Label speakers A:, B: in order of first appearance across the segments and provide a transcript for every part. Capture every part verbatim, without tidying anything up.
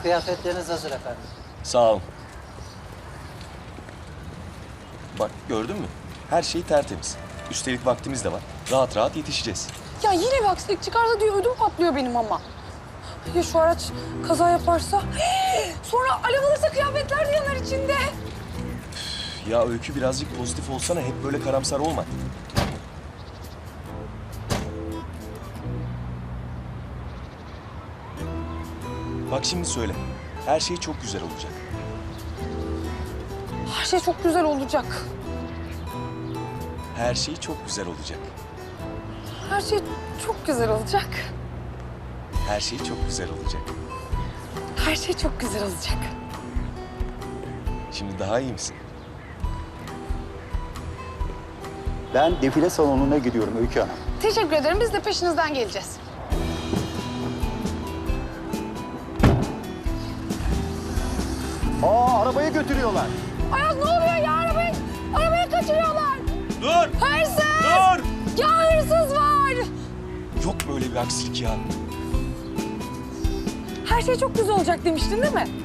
A: Kıyafetleriniz hazır efendim.
B: Sağ ol. Bak gördün mü? Her şey tertemiz. Üstelik vaktimiz de var. Rahat rahat yetişeceğiz.
C: Ya yine bir aksilik çıkarsa diye ödüm patlıyor benim ama. Ya şu araç kaza yaparsa? Sonra alev alırsa kıyafetler de yanar içinde.
B: Ya Öykü birazcık pozitif olsana. Hep böyle karamsar olma. Bak şimdi söyle. Her şey çok güzel olacak.
C: Her şey çok güzel olacak.
B: Her şey çok güzel olacak.
C: Her şey çok güzel olacak.
B: Her şey çok güzel olacak.
C: Her şey çok güzel olacak.
B: Şimdi daha iyi misin?
D: Ben defile salonuna gidiyorum Öykü Hanım.
C: Teşekkür ederim. Biz de peşinizden geleceğiz.
D: Aa, arabayı götürüyorlar.
C: Ayaz ne oluyor ya? Arabayı, arabayı kaçırıyorlar.
B: Dur!
C: Hırsız!
B: Dur!
C: Ya hırsız var.
B: Yok böyle bir aksilik ya.
C: Her şey çok güzel olacak demiştin değil mi?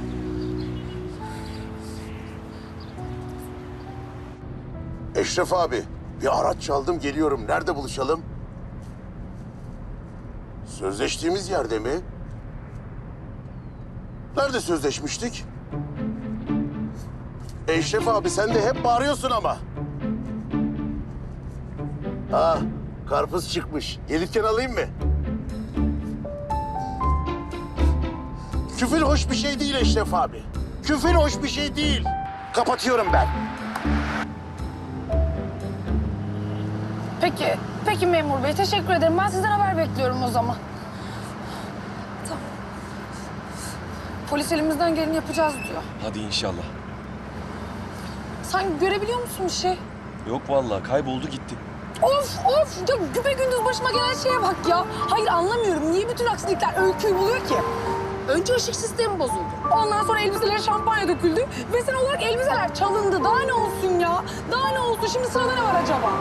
E: Eşref abi, bir araç çaldım geliyorum. Nerede buluşalım? Sözleştiğimiz yerde mi? Nerede sözleşmiştik? Eşref abi sen de hep bağırıyorsun ama. Ha, karpuz çıkmış. Gelirken alayım mı? Küfür hoş bir şey değil Eşref abi. Küfür hoş bir şey değil. Kapatıyorum ben.
C: Peki, peki memur bey. Teşekkür ederim. Ben sizden haber bekliyorum o zaman. Tamam. Polis elimizden geleni yapacağız diyor.
B: Hadi inşallah.
C: Sen görebiliyor musun bir şey?
B: Yok vallahi kayboldu gitti.
C: Of of! Ya güpe gündüz başıma gelen şeye bak ya. Hayır anlamıyorum. Niye bütün aksilikler Öykü'yü buluyor ki? Önce ışık sistemi bozuldu. Ondan sonra elbiselere şampanya döküldü. Ve sen olarak elbiseler çalındı. Daha ne olsun ya? Daha ne olsun? Şimdi sırada ne var acaba?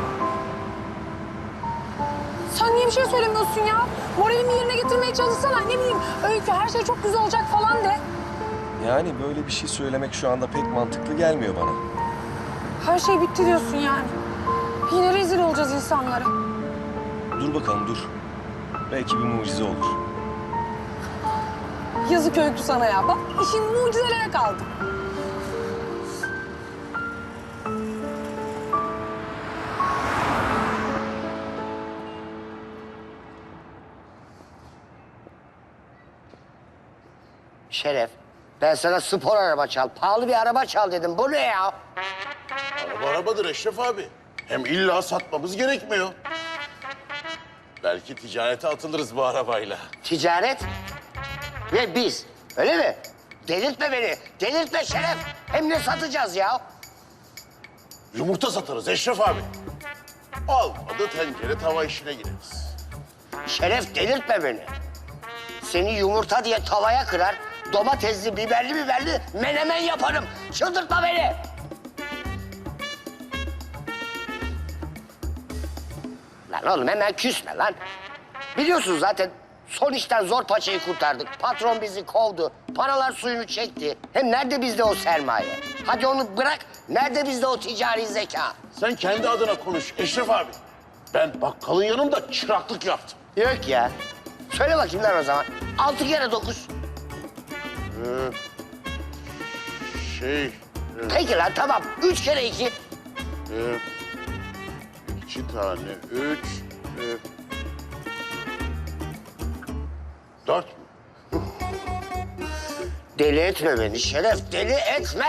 C: Sen niye bir şey söylemiyorsun ya? Moralimi yerine getirmeye çalışsana. Ne bileyim Öykü her şey çok güzel olacak falan de.
B: Yani böyle bir şey söylemek şu anda pek mantıklı gelmiyor bana.
C: Her şey bitti diyorsun yani. Yine rezil olacağız insanlara.
B: Dur bakalım dur. Belki bir mucize olur.
C: Yazık Öykü sana ya. Bak işin mucizelere kaldı.
F: Şeref, ben sana spor araba çal, pahalı bir araba çal dedim. Bu ne ya?
E: Araba arabadır Eşref abi. Hem illa satmamız gerekmiyor. Belki ticarete atılırız bu arabayla.
F: Ticaret ve biz, öyle mi? Delirtme beni, delirtme Şeref. Hem ne satacağız ya?
E: Yumurta satarız Eşref abi. Olmadı tencere tava işine gireriz.
F: Şeref delirtme beni. Seni yumurta diye tavaya kırar, domatesli, biberli biberli menemen yaparım. Çıldırtma beni. Lan oğlum hemen küsme lan. Biliyorsun zaten son işten zor paçayı kurtardık. Patron bizi kovdu. Paralar suyunu çekti. Hem nerede bizde o sermaye? Hadi onu bırak. Nerede bizde o ticari zeka?
E: Sen kendi adına konuş Eşref abi. Ben bakkalın yanında çıraklık yaptım.
F: Yok ya. Söyle bakayım lan o zaman. Altı kere dokuz.
E: Ee, şey... e,
F: Peki lan tamam. Üç kere iki.
E: e, iki tane, üç... E, dört mü?
F: Deli etme beni Şeref. Deli etme.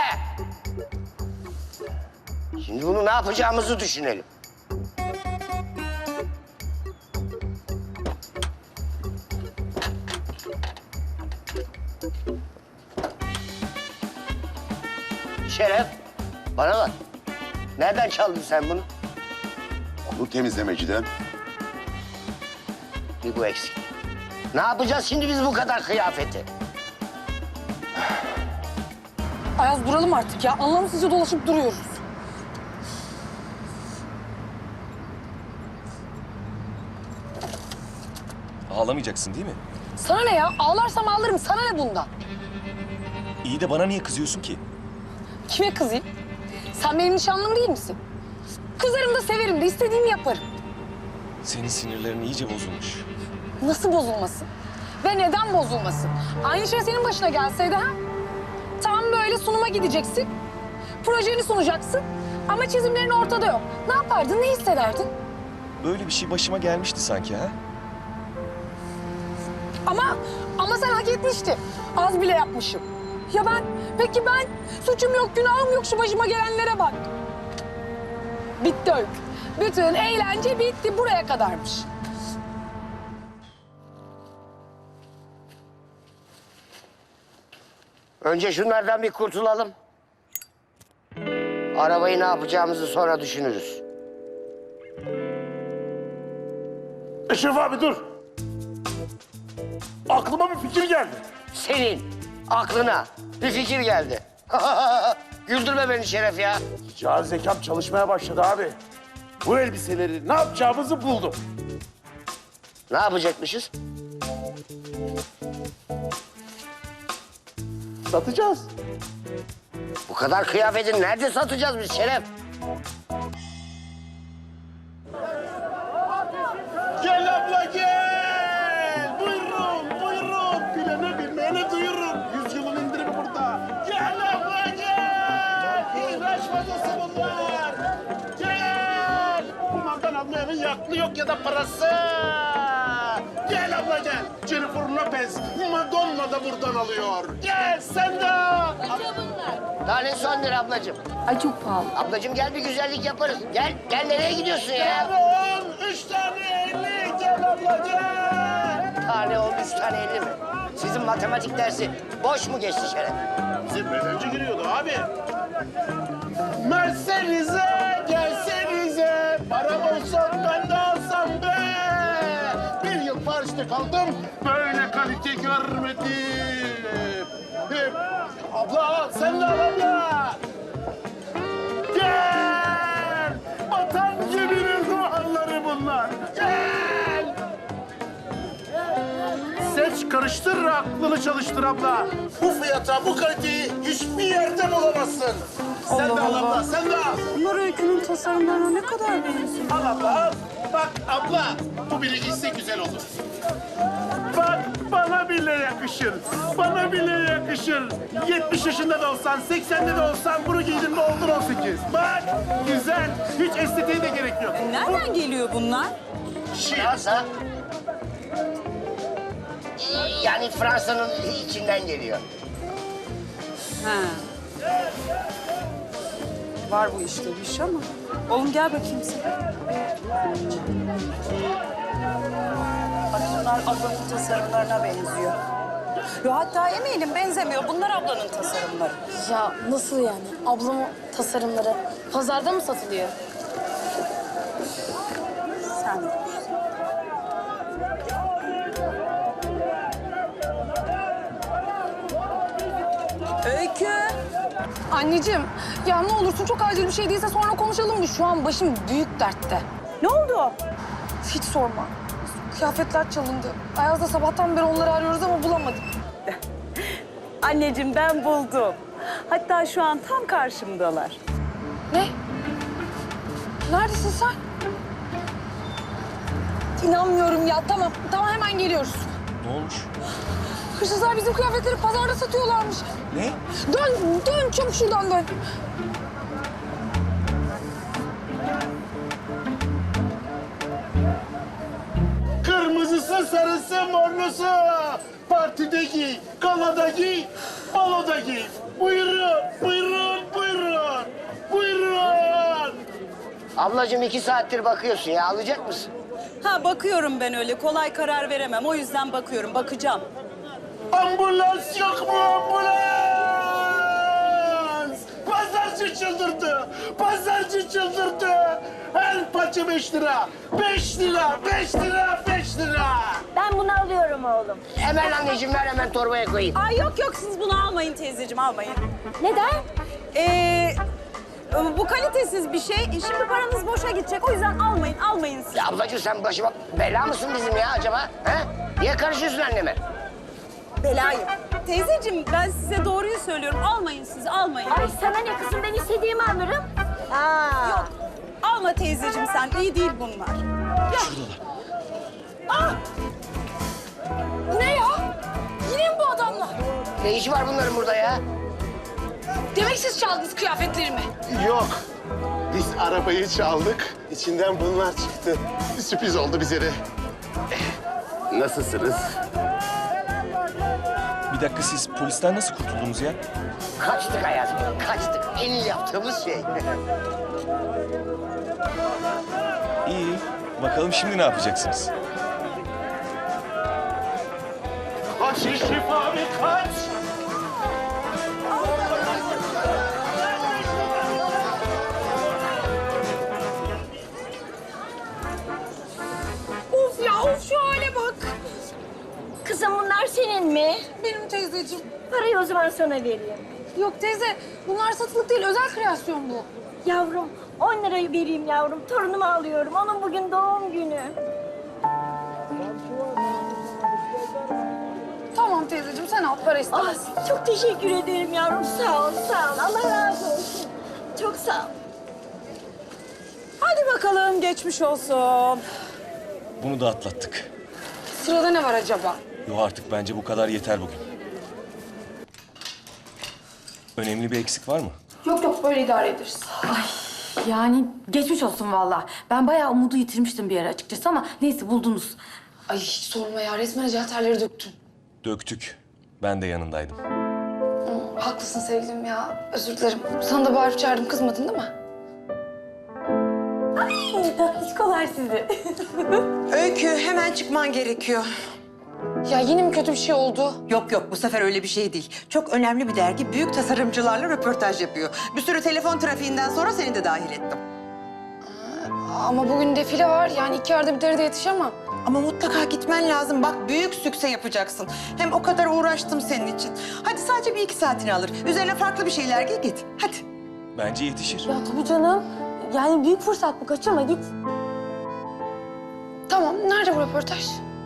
F: Şimdi bunu ne yapacağımızı düşünelim. Şeref, bana bak. Nereden çaldın sen bunu?
E: Onu temizlemeciden.
F: Bir bu eksik. Ne yapacağız şimdi biz bu kadar kıyafeti?
C: Ayaz duralım artık ya. Anlamsızca dolaşıp duruyoruz.
B: Ağlamayacaksın değil mi?
C: Sana ne ya? Ağlarsam ağlarım. Sana ne bundan?
B: İyi de bana niye kızıyorsun ki?
C: Kime kızayım? Sen benim nişanlım değil misin? Kızarım da severim de istediğimi yaparım.
B: Senin sinirlerin iyice bozulmuş.
C: Nasıl bozulmasın? Ve neden bozulmasın? Aynı şey senin başına gelseydi ha? Tam böyle sunuma gideceksin. Projeni sunacaksın. Ama çizimlerin ortada yok. Ne yapardın, ne hissederdin?
B: Böyle bir şey başıma gelmişti sanki ha?
C: Ama, ama sen hak etmiştin. Az bile yapmışım. Ya ben, peki ben? Suçum yok, günahım yok, şu başıma gelenlere bak. Bitti Öykü. Bütün eğlence bitti, buraya kadarmış.
F: Önce şunlardan bir kurtulalım. Arabayı ne yapacağımızı sonra düşünürüz.
E: Eşref abi dur. Aklıma bir fikir geldi.
F: Senin aklına bir fikir geldi. Güldürme beni Şeref ya.
E: Cihaz zekam çalışmaya başladı abi. Bu elbiseleri ne yapacağımızı buldum.
F: Ne yapacakmışız?
E: Satacağız.
F: Bu kadar kıyafeti nerede satacağız biz Şeref?
E: Gel abla gel. Buyurun buyurun. Bilene bilmeyene duyurun. Yüzyılın indirimi burada. Gel abla gel. İğrenç fazlası bunlar. Gel. Bunlardan almayanın yaklı yok ya da parası. Gel abla gel. Jennifer Lopez, Madonna da buradan alıyor. Gel sen de.
F: Tanesi on lira ablacığım.
C: Ay çok pahalı.
F: Ablacığım gel bir güzellik yaparız. Gel, gel nereye gidiyorsun ya?
E: on, üç tane elli. Gel abla gel.
F: Tane on, üç tane elli mi? Sizin matematik dersi boş mu geçti Şeref?
E: Bizim bedenci giriyordu abi. Mercedes'e gelsenize. Param olsa ben de alsam be. Bir yıl Paris'te kaldım. Böyle kalite görmedim. Hep. Abla sen de al abla. Gel. Vatan geminin duvarları bunlar. Gel. Seç, karıştır, aklını çalıştır abla. Bu fiyata, bu kaliteyi hiçbir yerde bulamazsın. Sen de al abla, sen de al.
C: Bunlar Öykü'nün tasarımlarına ne kadar benziyor.
E: Al abla, al. Bak abla, bu biri giyse güzel olur. Bak, bana bile yakışır. Bana bile yakışır. yetmiş yaşında da olsan, seksende de olsan bunu giydin mi oldun on sekiz. Bak, güzel. Hiç estetiğe de gerek yok.
A: Nereden geliyor bunlar?
F: Fransa. Yani Fransa'nın içinden geliyor.
A: Ha. Var bu işte bir iş ama. Oğlum gel bakayım sen. Bak bunlar ablanın tasarımlarına benziyor. Yo hatta eminim benzemiyor. Bunlar ablanın tasarımları.
C: Ya nasıl yani? Ablamın tasarımları pazarda mı satılıyor?
A: Sen de. Öykü.
C: Anneciğim, ya ne olursun çok acil bir şey değilse sonra konuşalım mı? Şu an başım büyük dertte.
A: Ne oldu?
C: Hiç sorma. Kıyafetler çalındı. Ayaz'da sabahtan beri onları arıyoruz ama bulamadık.
A: Anneciğim ben buldum. Hatta şu an tam karşımdalar.
C: Ne? Neredesin sen? İnanmıyorum ya. Tamam, tamam hemen geliyoruz.
B: Ne olmuş?
C: Hırsızlar bizim kıyafetleri pazarda satıyorlarmış.
B: Ne?
C: Dön, dön çabuk şuradan dön.
E: Kırmızısı, sarısı, morlusu. Partide giy, galada giy, baloda giy. Buyurun, buyurun, buyurun. Buyurun.
F: Ablacığım iki saattir bakıyorsun ya. Alacak mısın?
A: Ha bakıyorum ben öyle. Kolay karar veremem. O yüzden bakıyorum. Bakacağım.
E: Ambulans yok mu ambulans? Pazarcı çıldırdı. Pazarcı çıldırdı. Her paça beş lira. Beş lira, beş lira, beş lira.
G: Ben bunu alıyorum oğlum.
F: Hemen anneciğim ver hemen torbaya koyayım.
A: Ay yok yok siz bunu almayın teyzeciğim almayın.
G: Neden?
A: Ee, bu kalitesiz bir şey. Şimdi paranız boşa gidecek. O yüzden almayın almayın siz.
F: Ya ablacığım sen başıma bela mısın bizim ya acaba? He? Niye karışıyorsun anneme?
A: Belayım. teyzeciğim ben size doğruyu söylüyorum. Almayın siz, almayın.
G: Ay sana ne kızım, ben istediğimi alırım. Aa.
A: Yok. Alma teyzeciğim sen. İyi değil bunlar.
C: Ne ya? Yine mi bu adamlar?
F: Ne işi var bunların burada ya?
C: Demek siz çaldınız kıyafetlerimi.
E: Yok. Biz arabayı çaldık. İçinden bunlar çıktı. Sürpriz oldu bize de. Nasılsınız?
B: Bir dakika siz polisten nasıl kurtuldunuz ya?
F: Kaçtık hayatım, kaçtık. En iyi yaptığımız şey.
B: İyi. Bakalım şimdi ne yapacaksınız?
E: Kaç Eşref abi kaç!
C: Of ya, of şu hale bak.
G: Kızım bunlar senin mi?
C: Benim teyzeciğim.
G: Parayı o zaman sana vereyim.
C: Yok teyze, bunlar satılık değil, özel kreasyon bu.
G: Yavrum on lirayı vereyim yavrum. Torunumu alıyorum. Onun bugün doğum günü.
C: Tamam teyzeciğim, sen al, para istemez.
G: Ah, çok teşekkür ederim yavrum. Sağ ol, sağ ol. Allah razı olsun. Çok sağ ol.
A: Hadi bakalım geçmiş olsun.
B: Bunu da atlattık.
C: Sırada ne var acaba?
B: Yo artık bence bu kadar yeter bugün. Önemli bir eksik var mı?
C: Yok yok, böyle idare ederiz.
H: Yani geçmiş olsun vallahi. Ben bayağı umudu yitirmiştim bir ara açıkçası ama neyse buldunuz.
C: Ay hiç sorma ya, resmen acı terleri döktün.
B: Döktük. Ben de yanındaydım.
C: Haklısın sevgilim ya, özür dilerim. Sana da bağırıp çağırdım, kızmadın değil mi?
H: Tatlıcıkolar sizi.
I: Öykü hemen çıkman gerekiyor.
C: Ya yine mi kötü bir şey oldu?
I: Yok yok bu sefer öyle bir şey değil. Çok önemli bir dergi büyük tasarımcılarla röportaj yapıyor. Bir sürü telefon trafiğinden sonra seni de dahil ettim.
C: Ama bugün defile var, yani iki arada bir derede yetişemem.
I: Ama mutlaka gitmen lazım. Bak büyük sükse yapacaksın. Hem o kadar uğraştım senin için. Hadi sadece bir iki saatini alır. Üzerine farklı bir şeyler giy git. Hadi.
B: Bence yetişir.
H: Ya tabii canım. Yani büyük fırsat bu, kaçırma git.
C: Tamam, nerede bu röportaj?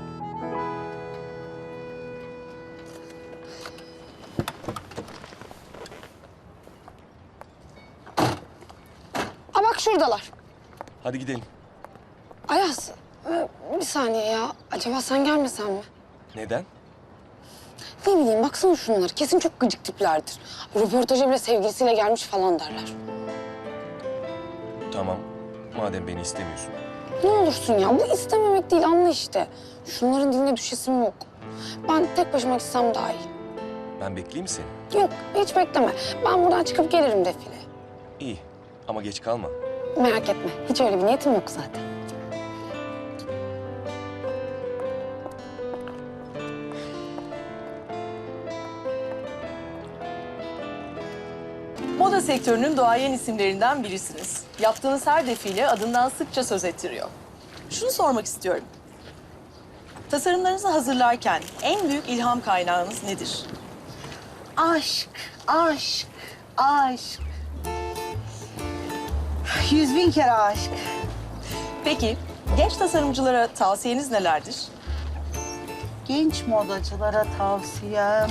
C: Aa bak şuradalar.
B: Hadi gidelim.
C: Ayaz, e, bir saniye ya. Acaba sen gelmesen mi?
B: Neden?
C: Ne bileyim, baksana şunları. Kesin çok gıcık tiplerdir. Röportaja bile sevgilisiyle gelmiş falan derler.
B: Tamam. Madem beni istemiyorsun.
C: Ne olursun ya, bu istememek değil, anla işte. Şunların diline düşesim yok. Ben tek başıma gitsem daha iyi.
B: Ben bekleyeyim mi seni?
C: Yok, hiç bekleme. Ben buradan çıkıp gelirim defile.
B: İyi. Ama geç kalma.
C: Merak etme, hiç öyle bir niyetim yok zaten.
J: Moda sektörünün duayen isimlerinden birisiniz. Yaptığınız her defile adından sıkça söz ettiriyor. Şunu sormak istiyorum. Tasarımlarınızı hazırlarken en büyük ilham kaynağınız nedir?
I: Aşk, aşk, aşk. Yüz bin kere aşk.
J: Peki genç tasarımcılara tavsiyeniz nelerdir?
I: Genç modacılara tavsiyem...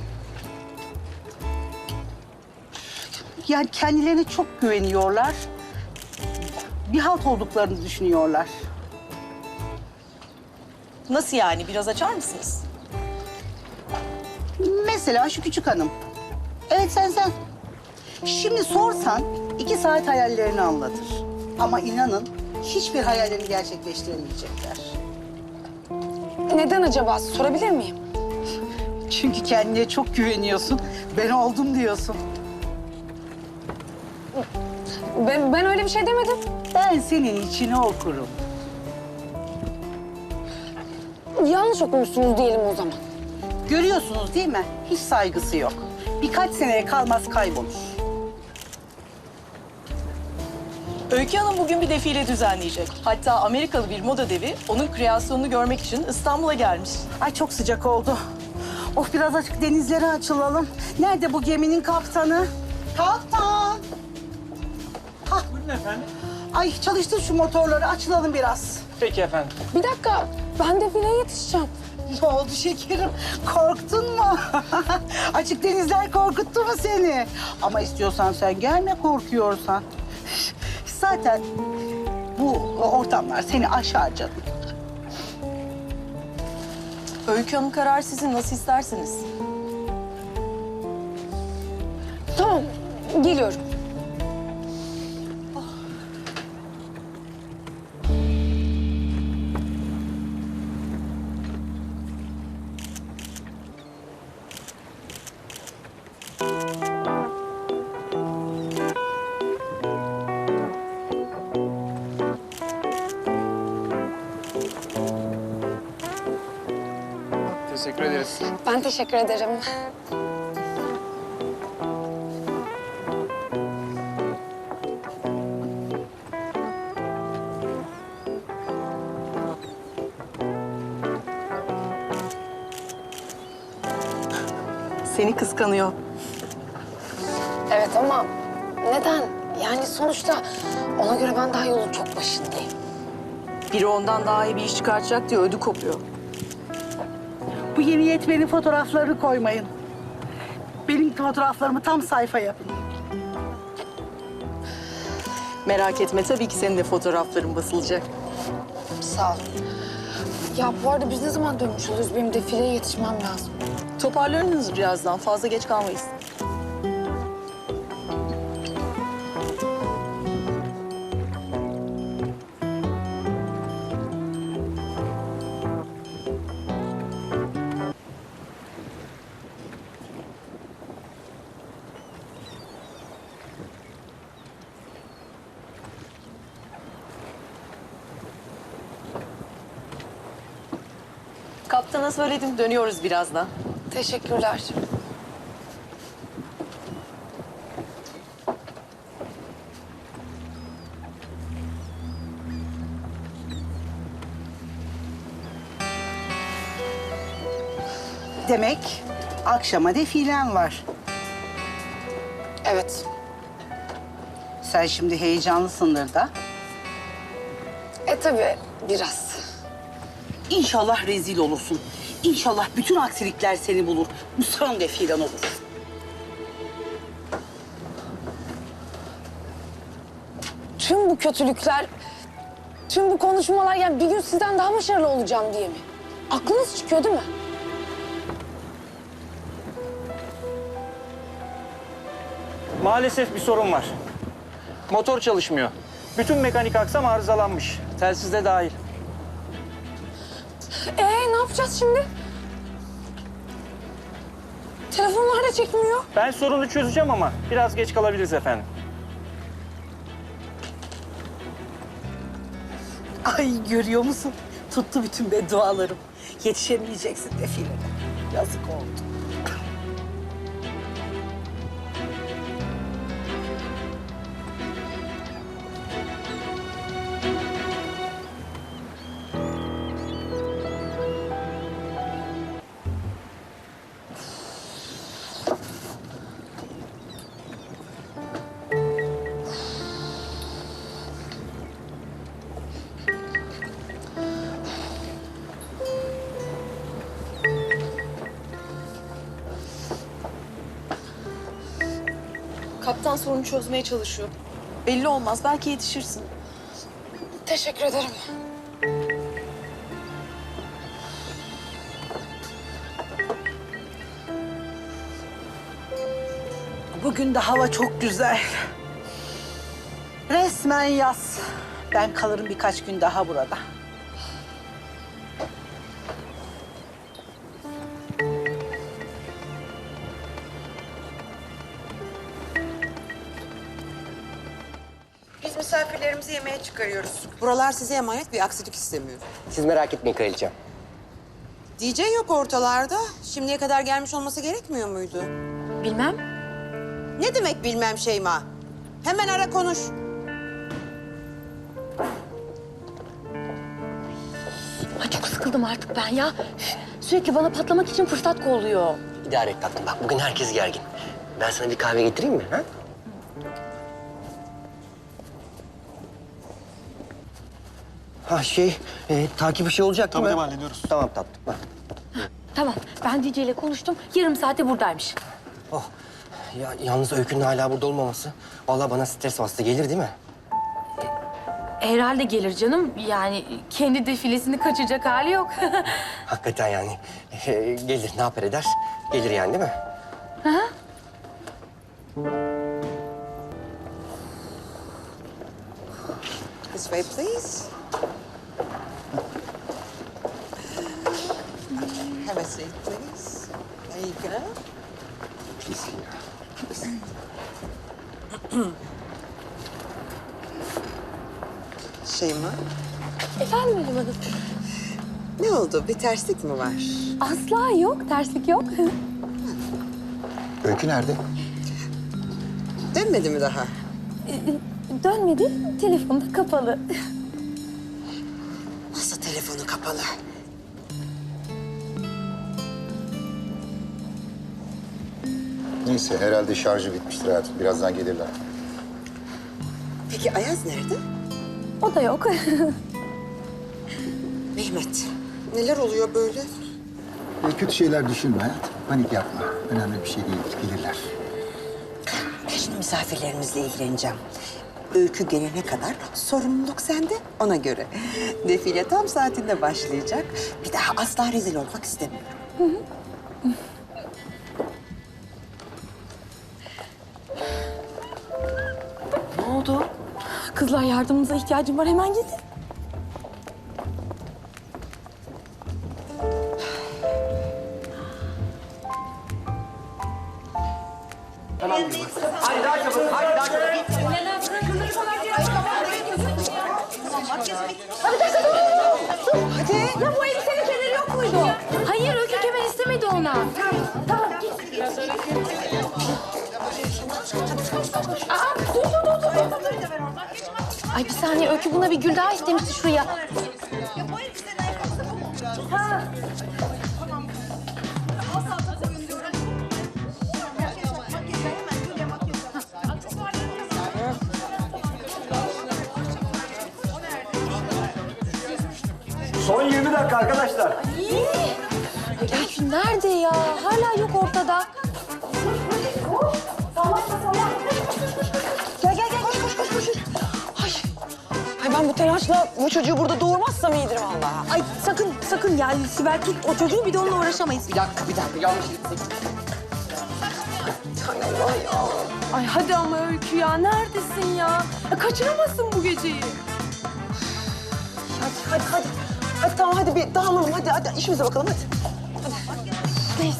I: Yani kendilerine çok güveniyorlar. Bir halt olduklarını düşünüyorlar.
J: Nasıl yani? Biraz açar mısınız?
I: Mesela şu küçük hanım. Evet sen sen. Şimdi sorsan iki saat hayallerini anlatır. Ama inanın hiçbir hayallerini gerçekleştiremeyecekler.
C: Neden acaba? Sorabilir miyim?
I: Çünkü kendine çok güveniyorsun. Ben oldum diyorsun.
C: Ben, ben öyle bir şey demedim.
I: Ben senin içini okurum.
C: Yanlış okumuşsunuz diyelim o zaman.
I: Görüyorsunuz değil mi? Hiç saygısı yok. Birkaç seneye kalmaz kaybolur.
J: Öykü Hanım bugün bir defile düzenleyecek. Hatta Amerikalı bir moda devi onun kreasyonunu görmek için İstanbul'a gelmiş.
I: Ay çok sıcak oldu. Of biraz açık denizlere açılalım. Nerede bu geminin kaptanı? Kaptan! Hah. Buyurun efendim. Ay çalıştır şu motorları açılalım biraz.
K: Peki efendim.
C: Bir dakika, ben defileye yetişeceğim.
I: Ne oldu şekerim? Korktun mu? Açık denizler korkuttu mu seni? Ama istiyorsan sen gelme korkuyorsan. Zaten bu ortamlar seni aşar canım.
J: Öykü Hanım karar sizin, nasıl isterseniz.
C: Tamam, geliyorum.
E: Teşekkür ederiz.
C: Ben teşekkür ederim.
J: Seni kıskanıyor.
C: Evet ama neden? Yani sonuçta ona göre ben daha yolun çok başındayım.
J: Biri ondan daha iyi bir iş çıkartacak diye ödü kopuyor.
I: Bu yeni yetmenin fotoğraflarını koymayın. Benim fotoğraflarımı tam sayfa yapın.
J: Merak etme, tabii ki senin de fotoğrafların basılacak.
C: Sağ ol. Ya bu arada biz ne zaman dönmüş oluyoruz? Benim defileye yetişmem lazım.
J: Toparlarınız birazdan, fazla geç kalmayız. Kaptana söyledim, dönüyoruz birazdan.
C: Teşekkürler.
I: Demek akşama defilen var.
C: Evet.
I: Sen şimdi heyecanlısındır da.
C: E tabii biraz.
I: İnşallah rezil olursun. İnşallah bütün aksilikler seni bulur. Bu son defilen olur.
C: Tüm bu kötülükler, tüm bu konuşmalar yani bir gün sizden daha başarılı olacağım diye mi? Aklınız çıkıyor değil mi?
K: Maalesef bir sorun var. Motor çalışmıyor. Bütün mekanik aksam arızalanmış. Telsiz de dahil.
C: Ee ne yapacağız şimdi? Telefonlar da çekmiyor.
K: Ben sorunu çözeceğim ama biraz geç kalabiliriz efendim.
I: Ay görüyor musun? Tuttu bütün beddualarım. Yetişemeyeceksin defilene. Yazık oldu.
J: Kaptan sorunu çözmeye çalışıyor. Belli olmaz, belki yetişirsin.
C: Teşekkür ederim.
I: Bugün de hava çok güzel. Resmen yaz. Ben kalırım birkaç gün daha burada.
L: Biz misafirlerimizi yemeğe çıkarıyoruz. Buralar size emanet, bir aksilik istemiyorum.
F: Siz merak etmeyin kraliçem.
L: D J yok ortalarda. Şimdiye kadar gelmiş olması gerekmiyor muydu?
H: Bilmem.
L: Ne demek bilmem Şeyma? Hemen ara konuş.
H: Ay çok sıkıldım artık ben ya. Üf, sürekli bana patlamak için fırsat kolluyor.
F: İdare et tatlım. Bak bugün herkes gergin. Ben sana bir kahve getireyim mi? Ha? Ha şey, e, takip işi olacak değil mi?
E: Tabii tabii hallediyoruz.
F: Tamam tatlım. Ha.
H: Tamam, ben D J ile konuştum. Yarım saate buradaymış.
M: Oh. Ya, yalnız Öykü'nün hala burada olmaması vallahi bana stres bastı. Gelir değil mi?
H: Herhalde gelir canım. Yani kendi defilesini kaçacak hali yok.
M: Hakikaten yani. Ee, gelir, ne yapar eder? Gelir yani değil mi?
H: Hı hı.
L: This way, please. Have a seat, please. There you go. Şeyma,
C: Efendim Halim Hanım?
L: ne oldu? Bir terslik mi var?
C: Asla yok, terslik yok.
D: Öykü nerede?
L: Dönmedi mi daha?
C: Dönmedi, telefonu da kapalı.
L: Nasıl telefonu kapalı?
D: Neyse herhalde şarjı bitmiştir hayatım. Birazdan gelirler.
L: Peki Ayaz nerede?
C: O da yok.
L: Mehmet, neler oluyor böyle?
D: E, kötü şeyler düşünme hayatım. Panik yapma. Önemli bir şey değil. Gelirler.
L: Ben şimdi misafirlerimizle ilgileneceğim. Öykü gelene kadar sorumluluk sende, ona göre. Defile tam saatinde başlayacak. Bir daha asla rezil olmak istemiyorum.
C: Ne oldu? Kızlar yardımınıza ihtiyacım var, hemen gidin.
M: Hadi daha çabuk, hadi daha çabuk.
C: Hadi. Ya bu elbisenin kemeri yok muydu?
H: Hayır, Öykü kemer istemedi ona.
C: Tamam, git. Aa, dur, dur, dur, dur, dur.
H: Ay bir saniye, Öykü buna bir gül daha istemişti şuraya.
K: Son yirmi dakika arkadaşlar.
H: Öykü nerede ya? Hala yok ortada.
C: Gel, gel, gel, koş, koş, koş, koş. Ay. Ay ben bu telaşla bu çocuğu burada doğurmazsam iyidir vallahi. Ay sakın, sakın ya Sibel tut o çocuğu, bir de onunla uğraşamayız.
L: Bir dakika, bir dakika. Yanlış gittik.
C: Ay hadi ama Öykü ya, neredesin ya? ya kaçıramazsın bu geceyi. Hadi, hadi, hadi. Hadi tamam, hadi bir dağılalım. Hadi, hadi işimize bakalım, hadi. Hadi. Neyse.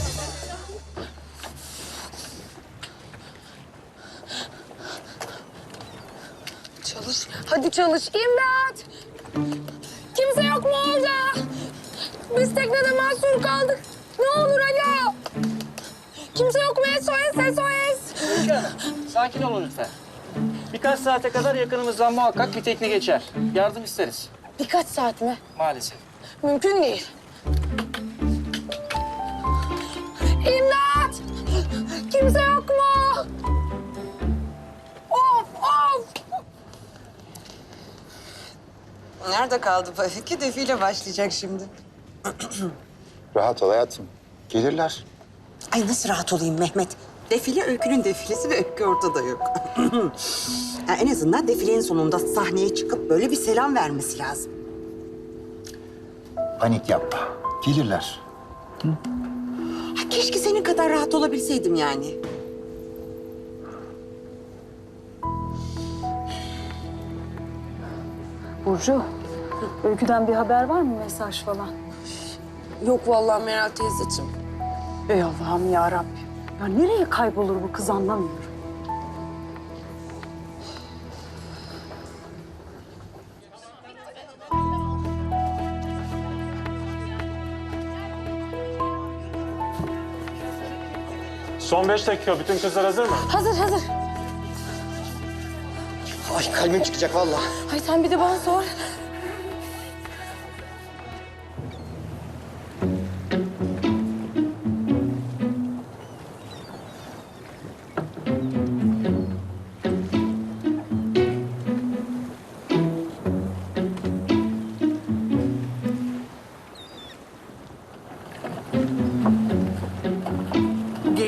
C: Çalış, hadi çalış. İmdat! Kimse yok mu orada? Biz teknede mahsur kaldık. Ne olur alo! Kimse yok mu? S O S, S O S!
K: Öykü Hanım, sakin olun lütfen. Birkaç saate kadar yakınımızdan muhakkak bir tekne geçer. Yardım isteriz.
C: Birkaç saat mi?
K: Maalesef.
C: Mümkün değil. İmdat! Kimse yok mu? Of, of!
L: Nerede kaldı bu öykü? Defile başlayacak şimdi.
D: Rahat ol hayatım. Gelirler.
L: Ay nasıl rahat olayım Mehmet? Defile Öykü'nün defilesi ve Öykü ortada yok. Ya en azından defilenin sonunda sahneye çıkıp böyle bir selam vermesi lazım.
D: Panik yapma. Gelirler.
L: Ha, keşke senin kadar rahat olabilseydim yani.
C: Burcu, Öykü'den bir haber var mı, mesaj falan? Yok vallahi Meral teyzeciğim. Ey Allah'ım ya Rabbim. Ya nereye kaybolur bu kız, anlamıyorum.
K: Son beş dakika. Bütün kızlar hazır mı?
C: Hazır, hazır.
M: Ay kalbim çıkacak vallahi.
C: Ay sen bir de bana sor.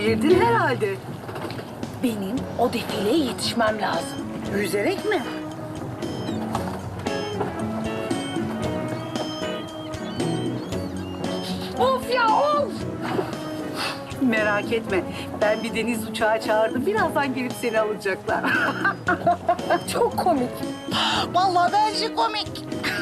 I: Delirdin herhalde. Benim o defileye yetişmem lazım. Yüzerek mi? Of ya of! Merak etme. Ben bir deniz uçağı çağırdım. Birazdan gelip seni alacaklar. Çok komik. Vallahi bence komik.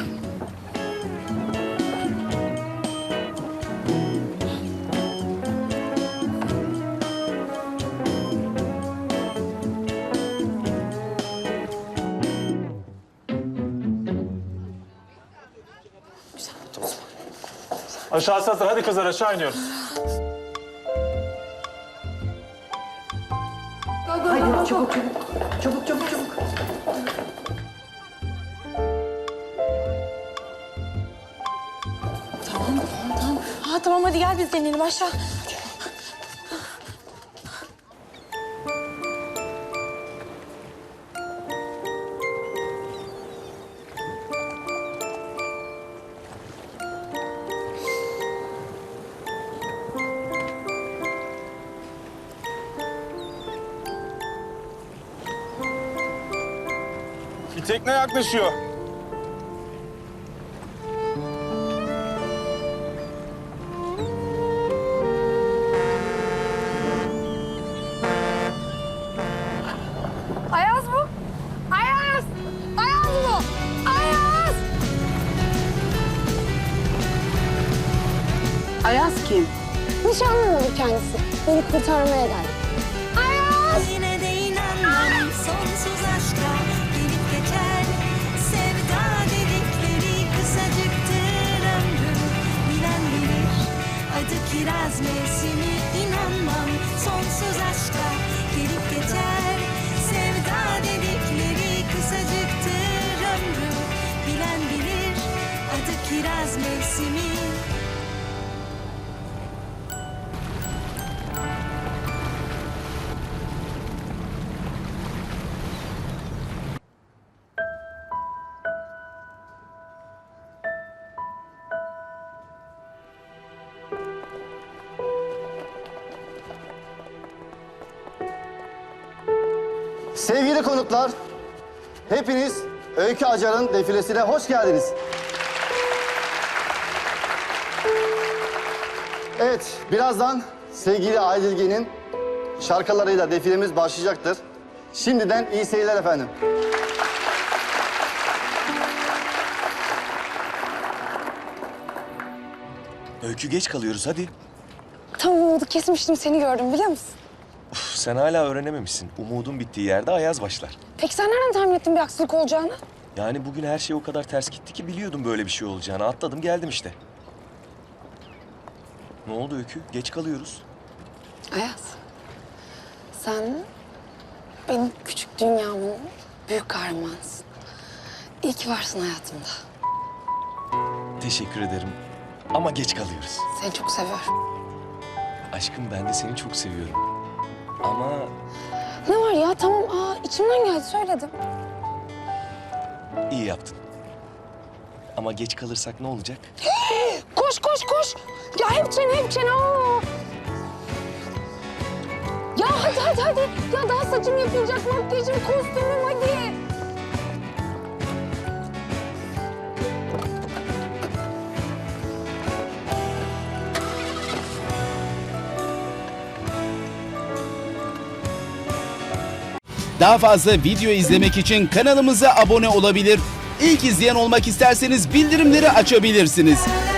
N: Aşağısı hazır. Hadi kızlar aşağı iniyoruz.
I: Hadi çabuk çabuk. Çabuk çabuk çabuk.
C: Tamam, tamam, tamam. Ha, tamam hadi gel biz de inelim aşağı.
N: Bir tekne yaklaşıyor.
C: Ayaz bu. Ayaz! Ayaz bu. Ayaz!
I: Ayaz kim?
C: Nişanlım olur kendisi. Beni kurtarmaya geldi. Ayaz!
G: Yine de inanmam sonsuz aşka gelip geçer. Sevda dedikleri kısacıktır ömrüm. Bilen bilir adı kiraz mevsimi. İnanmam sonsuz aşka gelip geçer. Sevda dedikleri kısacıktır ömrüm. Bilen bilir adı kiraz mevsimi.
O: Sevgili konuklar, hepiniz Öykü Acar'ın defilesine hoş geldiniz. Evet, birazdan sevgili Aydilge'nin şarkılarıyla defilemiz başlayacaktır. Şimdiden iyi seyirler efendim.
B: Öykü geç kalıyoruz hadi.
C: Tam umudu kesmiştim seni gördüm biliyor musun?
B: Uf, sen hala öğrenememişsin. Umudun bittiği yerde ayaz başlar.
C: Peki sen nereden tahmin ettin bir aksilik olacağını?
B: Yani bugün her şey o kadar ters gitti ki biliyordum böyle bir şey olacağını. Atladım geldim işte. Ne oldu Öykü? Geç kalıyoruz.
C: Ayaz, sen benim küçük dünyamın büyük kahramanısın. İyi ki varsın hayatımda.
B: Teşekkür ederim. Ama geç kalıyoruz.
C: Seni çok seviyorum.
B: Aşkım ben de seni çok seviyorum. Ama
C: Ne var ya tamam aa içimden geldi söyledim.
B: iyi yaptın. Ama geç kalırsak ne olacak?
C: Koş koş koş. Ya hep çene hep çene. Aa. Ya hadi hadi hadi. Ya daha saçım yapılacak, makyajım, kostümüm hadi.
P: Daha fazla video izlemek için kanalımıza abone olabilir. İlk izleyen olmak isterseniz bildirimleri açabilirsiniz.